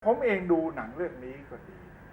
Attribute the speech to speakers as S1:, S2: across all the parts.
S1: ผมเองดูหนังเรื่องนี้ก็ดี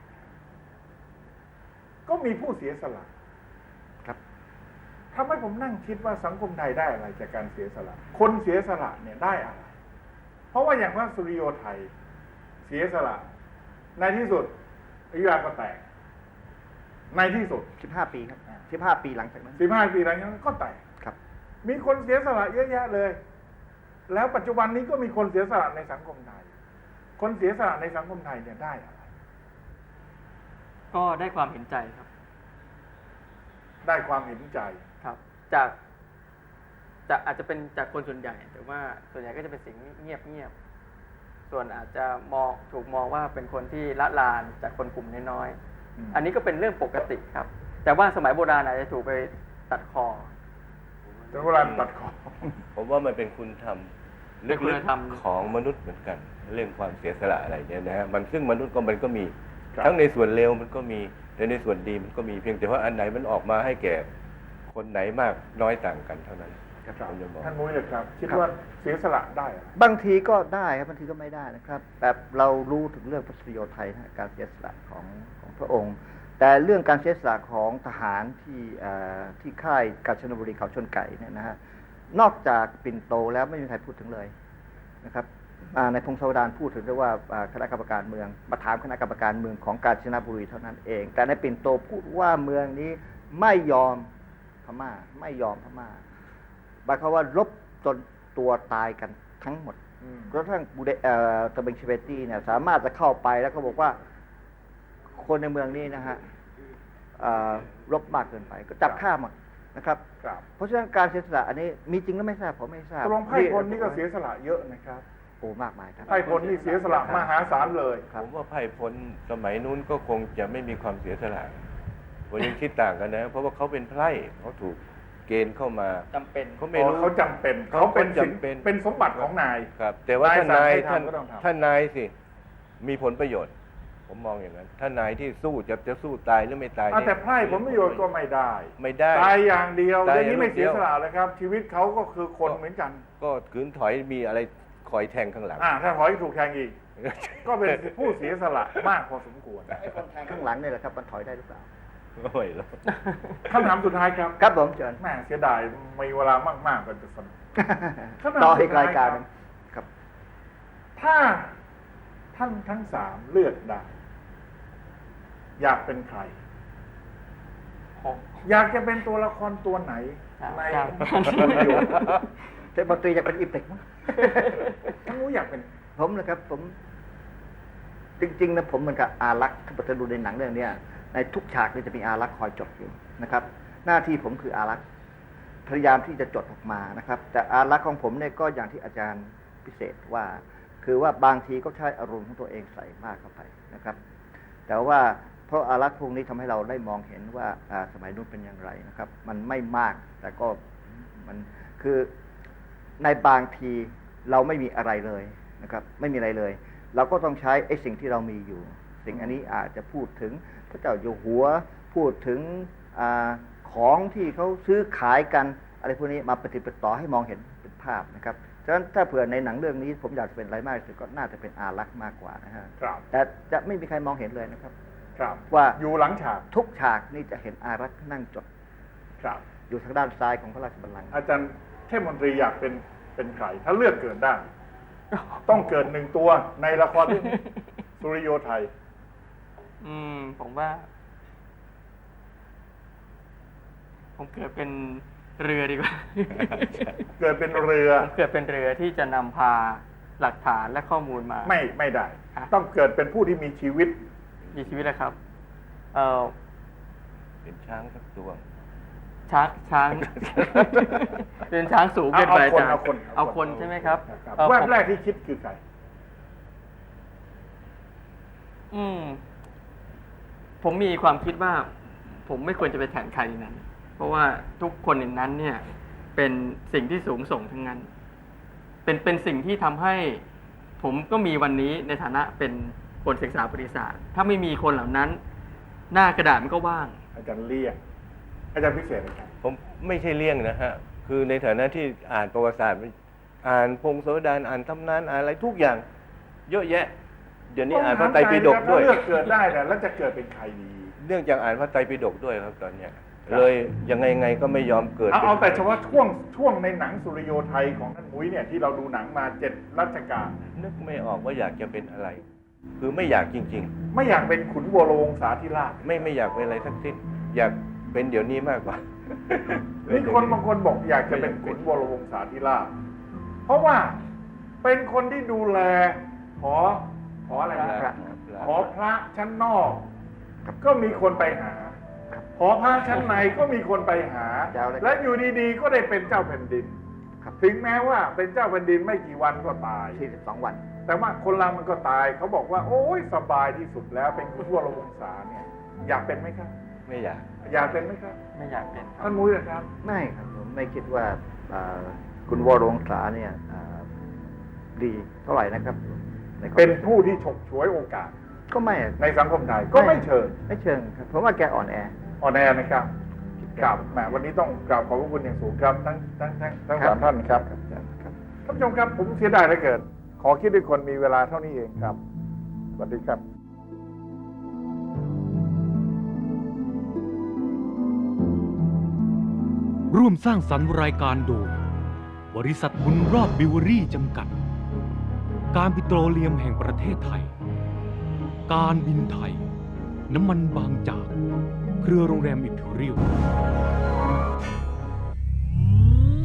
S1: ก็มีผู้เสียสละ
S2: ครับ
S1: ทำให้ผมนั่งคิดว่าสังคมไทยได้อะไรจากการเสียสละคนเสียสละเนี่ยได้อะไรเพราะว่าอย่างพระสุริโยไทยเสียสละในที่สุดอยุธยาก็แตกในที่สุด
S2: 15 ปีครับ15 ปีหลังจากนั้น
S1: 15 ปีหลังจากนั้นก็แตก
S2: ครับ
S1: มีคนเสียสละเยอะแยะเลยแล้วปัจจุบันนี้ก็มีคนเสียสละในสังคมไทยคนเสียสละในสังคมไทยเนี่ยได้อะไร
S3: ก็ได้ความเห็นใจครับ
S1: ได้ความเห็นใจ
S3: ครับจากอาจจะเป็นจากคนส่วนใหญ่แต่ว่าส่วนใหญ่ก็จะเป็นสิ่งเงียบส่วนอาจจะถูกมองว่าเป็นคนที่ละลานจากคนกลุ่มน้อยๆอันนี้ก็เป็นเรื่องปกติครับแต่ว่าสมัยโบราณอาจจะถูกไปตัดคอ
S1: แต่โบราณตัดคอ
S4: ผมว่ามันเป็นคุณธรรมลึกๆของมนุษย์เหมือนกันเรื่องความเสียสละอะไรเนี่ยนะฮะมันซึ่งมนุษย์มันก็มีทั้งในส่วนเลวมันก็มีแต่ในส่วนดีมันก็มีเพียงแต่ว่าอันไหนมันออกมาให้แก่คนไหนมากน้อยต่างกันเท่านั้น
S1: ท่านมุ้ยเลยครับคิดว่าเสียสละได้
S2: บางทีก็ได้ครับบางทีก็ไม่ได้นะครับแต่เรารู้ถึงเรื่องพระสุริโยไทยนะการเสียสละของพระองค์แต่เรื่องการเสียสละของทหารที่ค่ายกาญจนบุรีเขาชนไก่เนี่ยนะฮะนอกจากปิ่นโตแล้วไม่มีใครพูดถึงเลยนะครับในพงศาวดารพูดถึงด้วยว่าคณะกรรมการเมืองมาถามคณะกรรมการเมืองของกาญจนบุรีเท่านั้นเองแต่ในปิ่นโตพูดว่าเมืองนี้ไม่ยอมพม่าไม่ยอมพม่าหมายความว่ารบจนตัวตายกันทั้งหมดกระทั่งตะเบงเชเวตี้เนี่ยสามารถจะเข้าไปแล้วก็บอกว่าคนในเมืองนี้นะฮะรบมากเกินไปก็จับฆ่าหมดนะครับเพราะฉะนั้นการเสียสละอันนี้มีจริงหรือไม่ทราบผมไม่ทราบ
S1: ตรงไพ่พลนี่ก็เสียสละเยอะนะครับ
S2: โอ้มากมายครับ
S1: ไพ่พลนี่เสียสละมหาศาลเลย
S4: ผมว่าไพ่พลสมัยนู้นก็คงจะไม่มีความเสียสละผมยังคิดต่างกันนะเพราะว่าเขาเป็นไพร่เขาถูกเกณฑ์เข้ามา
S3: จำเป็น
S1: เขาไม่รู้เขาจำเป็นเขาเป็นสมบัติของนาย
S4: ครับแต่ว่าท่านนายสิมีผลประโยชน์ผมมองอย่างนั้นถ้านายที่สู้จะสู้ตายหรือไม่ตาย
S1: แต่ไพร่ผลประโยชน์ก็ไม่ได้ตายอย่างเดียวอย่างนี้ไม่เสียสละเลยครับชีวิตเขาก็คือคนเหมือนกัน
S4: ก็ขืนถอยมีอะไรคอยแทงข้างหลัง
S1: ถ้าถอยถูกแทงอีกก็เป็นผู้เสียสละมากพอสมควร
S2: ไอ้คนแทงข้างหลังนี่แหละครับมันถอยได้หรือเปล่า
S4: ไม่หรอก
S1: คำถามสุดท้ายครับ
S2: ครับผมเชิญ
S1: แม่เสียดายมีเวลามากๆกันจะสนุก
S2: ต่ออีกรายการครับ
S1: ถ้าท่านทั้ง3เลือกได้อยากเป็นใครอยากจะเป็นตัวละครตัวไหนใน
S2: เทพมนตรีอยากเป็นอิบเต็กมั้ง
S1: ท่านรู้อยากเป็น
S2: ผมนะครับผมจริงๆนะผมเหมือนกับอารักษ์ถ้าดูในหนังเรื่องนี้ในทุกฉากนี่จะมีอารักษ์คอยจดอยู่นะครับหน้าที่ผมคืออารักษ์พยายามที่จะจดออกมานะครับแต่อารักษ์ของผมเนี่ยก็อย่างที่อาจารย์พิเศษว่าคือว่าบางทีก็ใช้อารมณ์ของตัวเองใส่มากเข้าไปนะครับแต่ว่าเพราะอารักษ์พวกนี้ทำให้เราได้มองเห็นว่าสมัยนู้นเป็นอย่างไรนะครับมันไม่มากแต่ก็มันคือในบางทีเราไม่มีอะไรเลยนะครับไม่มีอะไรเลยเราก็ต้องใช้ไอ้สิ่งที่เรามีอยู่สิ่งอันนี้อาจจะพูดถึงพระเจ้าอยู่หัวพูดถึงของที่เขาซื้อขายกันอะไรพวกนี้มาปฏิบัติต่อให้มองเห็นเป็นภาพนะครับฉะนั้นถ้าเผื่อในหนังเรื่องนี้ผมอยากจะเป็นอะไรมากที่สุดก็น่าจะเป็นอารักษ์มากกว่านะฮะแต่จะไม่มีใครมองเห็นเลยนะครับว่า
S1: อยู่หลังฉาก
S2: ทุกฉากนี่จะเห็นอารักษ์นั่งจดอยู่ทางด้านซ้ายของพระราชบัลลังก์
S1: อาจารย์เทพมนตรีอยากเป็นใครถ้าเลือกเกิดได้ต้องเกิด1ตัวในละครเรื่องสุริโยไทย
S3: ผมว่าผมเกิดเป็นเรือดีกว่า
S1: เกิดเป็นเรือ
S3: เกิดเป็นเรือที่จะนำพาหลักฐานและข้อมูลมา
S1: ไม่ได้ต้องเกิดเป็นผู้ที่มีชีวิต
S3: นะครับ
S4: เป็นช้างสักตัว
S3: ช้างเป็นช้างสูงเกินไปเอาคนใช่ไหมครับ
S1: แวบแรกที่คิดคือใคร
S3: ผมมีความคิดว่าผมไม่ควรจะไปแทนใครนั้นเพราะว่าทุกคนในนั้นเนี่ยเป็นสิ่งที่สูงส่งทั้งนั้นเป็นสิ่งที่ทำให้ผมก็มีวันนี้ในฐานะเป็นคนศึกษาประวัติศาสตร์ถ้าไม่มีคนเหล่านั้นหน้ากระดาษมันก็ว่าง
S1: อาจารย์เลี่ยงอาจารย์พิเศษครับ
S4: ผมไม่ใช่เลี่ยงนะฮะคือในฐานะที่อ่านประวัติศาสตร์อ่านพงศาวดารอ่านตำนานอ่านอะไรทุกอย่างเยอะแยะเดี๋ยวนี้อ่านพระไตรปิฎกด้วย
S1: ถ้าเลือกเกิดได้เนี่ยแล้วจะเกิดเป็นใครดี
S4: เนื่องจากอ่านพระไตรปิฎกด้วยครับตอนเนี้ยเลยยังไงก็ไม่ยอมเกิด
S1: เอาแต่เฉพาะช่วงในหนังสุริโยไทยของท่านมุ้ยเนี่ยที่เราดูหนังมา7 รัชกาล
S4: นึกไม่ออกว่าอยากจะเป็นอะไร คือไม่อยากจริง
S1: ไม่อยากเป็นขุนวรวงศาธิราช
S4: ๆ ไม่อยากเป็นอะไรทั้งสิ้นอยากเป็นเดี๋ยวนี้มากกว่า
S1: มีคนบางคนบอกอยากจะเป็นขุนวรวงศาธิราชเพราะว่าเป็นคนที่ดูแลหออะไรนะ
S2: พระ
S1: หอพระชั้นนอก ก็มีคนไปหา หอพระชั้นในก็มีคนไปหา และอยู่ดีๆก็ได้เป็นเจ้าแผ่นดิน
S2: ครับ
S1: ถึงแม้ว่าเป็นเจ้าแผ่นดินไม่กี่วันก็ตาย
S2: 42 วัน
S1: แต่ว่าคนเรามันก็ตายเขาบอกว่า โอ้ยสบายที่สุดแล้วเป็นขุนวรวงศาเนี่ยอยากเป็นไหมครับ
S4: ไม่อยาก
S1: อยากเป็นไหมครับ
S3: ไม่อยากเป็นครับ
S1: ท่านมุ้ยนะครับ
S2: ไม่ครับผมไม่คิดว่าคุณวรวงศาเนี่ยดีเท่าไหร่นะครับในความ
S1: เป็นผู้ที่ฉกฉวยโอกาส
S2: ก็ไม่
S1: ในสังคมไทยก็ไม่เชิญ
S2: ไม่เชิงครับผมว่าแกอ่อนแอ
S1: อ่อนแอนะครับกราบแหมวันนี้ต้องกราบขอบพระคุณอย่างสูงครับทั้ง
S2: ครับ
S1: สามท่านครับ
S2: ครับ
S1: ท่านผู้ชมครับผมเสียดายเหลือเกินขอคิดด้วยคนมีเวลาเท่านี้เองครับสวัสดีครับ
S5: ร่วมสร้างสรรค์รายการโดย บริษัทบุญรอบบิวเวอรี่จำกัด การปิโตรเลียมแห่งประเทศไทย การบินไทย น้ำมันบางจาก เครือโรงแรมอิมพีเรียล